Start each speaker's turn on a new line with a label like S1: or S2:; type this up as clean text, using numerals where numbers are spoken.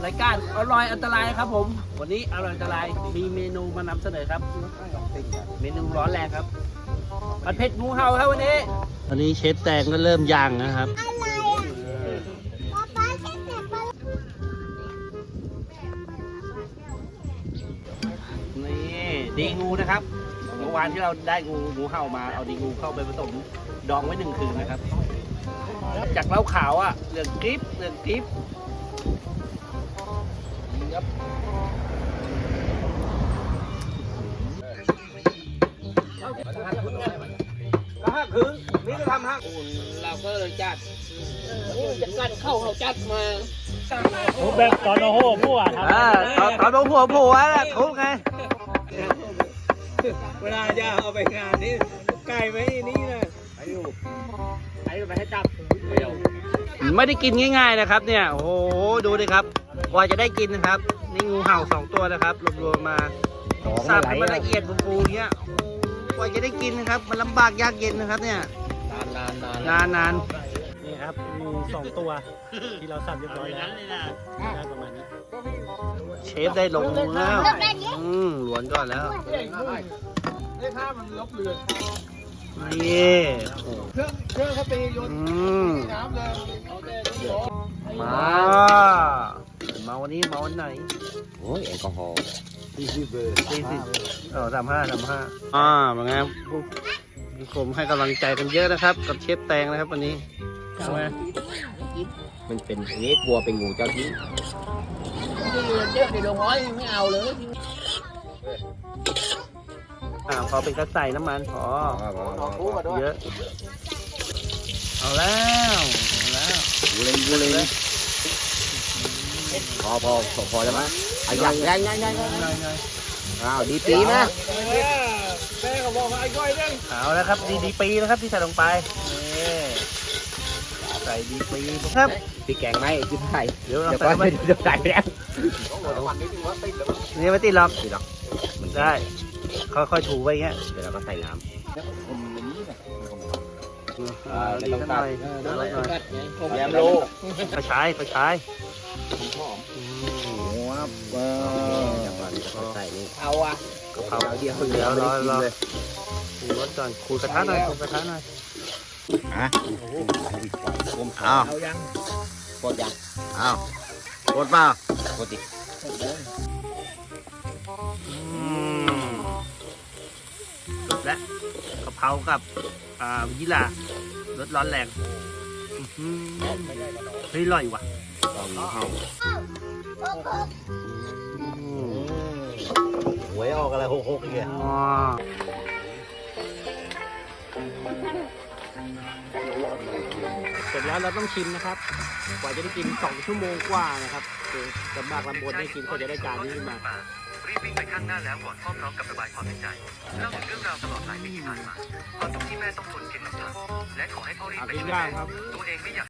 S1: รายการอร่อยอันตรายครับผมวันนี้อร่อยอันตรายมีเมนูมานำเสนอครับเมนูร้อนแรงครับผัดเผ็ดงูเห่าครับวันนี้เชฟแตงก็เริ่มย่างนะครับนี่ดีงูนะครับเมื่อวานที่เราได้งูเห่ามาเอาดีงูเข้าไปผสมดองไว้1 คืนนะครับจากเหล้าขาวอ่ะเหลืองกริบครับก็ห้าคืนนี่ก็ทำห้าเราก็เลยจัดจะกันเข้าเขาจัดมา
S2: ผมแบบตอนโอ้โหผู้อ่ะท
S1: ำตอนหัวโผล่แหละทุบไง
S2: เวลาจะเอาไปงานนี่ไก่ไว้นี่นะไปอยู่ไปให้จับเดียว
S1: ไม่ได้กินง่ายๆนะครับเนี่ยโอ้โหดูดิครับกว่าจะได้กินนะครับนี่งูเห่า2 ตัวนะครับรวมๆมาสับให้มันละเอียดฟูๆเงี้ยกว่าจะได้กินนะครับมันลำบากยากเย็นนะครับเนี่ยนาน
S2: นี่ครับงู2 ตัวที่เราสับเรียบร้อยแล้วได้ประมาณนี้
S1: เชฟได้ลงมือแล้วหลวนก่อนแล้ว
S2: ได้ข้ามันลบเรือ
S1: นี่
S2: เครื่องเขาตีโยนน้ำเลย
S1: มาวันนี้มาวันไหน
S3: โอ้ยแอลกอฮอล์
S1: 40 เบอร์35เป็นไงผู้ชมให้กำลังใจกันเยอะนะครับกับเชฟแตงนะครับวันนี้ใช่ไหม
S3: มันเป็นอันนี้กลัวเป็นงูเจ้าที่
S2: เยอะในดงห้อยไม่เอาเลย
S1: พอเป็นกระใส่น้ำมันพอเยอะเอาแล้ว
S3: กูเลยพอแล้วมั้ยไอ้ยังอ้าวดีปีนะ
S2: แม่เขาบอกว่าไอ้ก้อยเด้ง
S1: เอาแล้วครับดีปีนะครับที่ใส่ลงไปใส่ดีปีครับ
S3: พี่แกงไหมพี่ไข่
S1: เดี๋ยวเรา
S3: ใส่ไปเดี๋ยวใส่แล้ว
S1: นี่ไม่ติดหรอกมันได้ค่อยๆถูไปเงี้ย
S3: เดี๋ยวเราก็ใส่น้ำ
S1: ไม่ต้องตัด
S3: แยมโล
S1: ก็ใช้
S3: ใส่นี่
S1: เอากะเพรา
S3: เดียวรอ
S1: เลยขูดก่อนขูดกระทะหน่อย
S3: เอายังกดยัง
S1: เอากดเปล่
S3: ากดดิ
S1: จบแล้วกะเพรากับยี่หร่ารสร้อนแรงเฮ้ยอร่อยว่ะ
S3: หวยออกอะไร6เนี่ย
S1: เสร็จแล้วเราต้องชิมนะครับกว่าจะได้กิน2 ชั่วโมงกว่านะครับลำบากลำบนได้กินก็จะได้จานนี้ขึ้นมา
S4: รีบวิ่งไปข้างหน้าแล้วกอดพ่อพร้อมกับระบายความในใจเล่าถึงเรื่องราวตลอดหลายปีที่ผ่านมาความทุกข์ที่แม่ต้องทนเข็นน้ำตาและขอให้พ่อรีบไปช่วยแม่ตัวเองไม่อยาก